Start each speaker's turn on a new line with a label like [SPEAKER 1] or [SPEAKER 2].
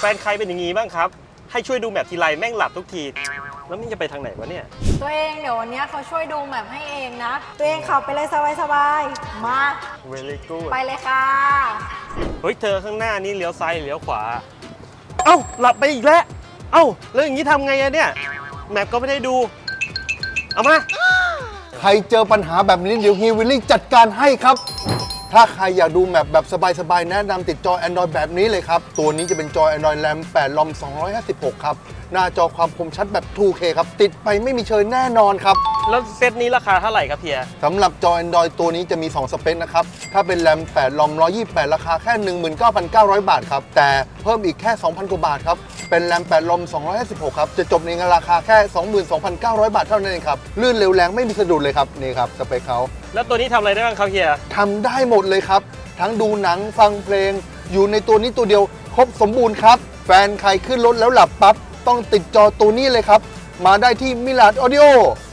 [SPEAKER 1] นใครเป็นอย่างงี้บ้างครับให้ช่วยดูแมพทีไรแม่งหลับทุกทีแล้วมันจะไปทางไหนวะเนี่ย
[SPEAKER 2] ตัวเองเดี๋ยววันนี้เขาช่วยดูแบบให้เองนะตัวเองขับไปเลยสบายๆมา
[SPEAKER 1] very good
[SPEAKER 2] ไปเลยค่ะ
[SPEAKER 1] เฮ้ยเธอข้างหน้านี่เลี้ยวซ้ายเลี้ยวขวาเอ้าหลับไปอีกแล้วเอ้าแล้วอย่างนี้ทำไงอะเนี่ยแมพก็ไม่ได้ดูเอามา
[SPEAKER 3] ใครเจอปัญหาแบบนี้เดี๋ยวฮีวิลลิ่งจัดการให้ครับ ถ้าใครอยากดูแมปแบบสบายๆแนะนำติดจอ Android แบบนี้เลยครับ ตัวนี้จะเป็นจอ Android RAM 8 ROM 256 ครับ หน้าจอความคมชัดแบบ 2K ครับ ติดไปไม่มีเชยแน่นอนครับ
[SPEAKER 1] แล้วเซตนี้ราคาเท่าไหร่ครับเพีย
[SPEAKER 3] สำหรับจอ Android ตัวนี้จะมี 2 สเปคนะครับ ถ้าเป็น RAM 8 ROM 128 ราคาแค่ 19,900 บาทครับ แต่เพิ่มอีกแค่ 2,000 กว่าบาทครับ เป็น RAM 8 ROM 256 ครับ จะจบในราคาแค่ 22,900 บาทเท่านั้นเองครับ ลื่นเร็วแรงไม่มีสะดุดเลยครับ นี่ครับสเปคเขา
[SPEAKER 1] แล้วตัวนี้ทำอะไรได้บ้างครับเฮีย
[SPEAKER 3] ทำได้หมดเลยครับ ทั้งดูหนังฟังเพลง อยู่ในตัวนี้ตัวเดียวครบสมบูรณ์ครับ แฟนใครขึ้นรถแล้วหลับปั๊บ ต้องติดจอตัวนี้เลยครับ มาได้ที่มิลาดออดิโอ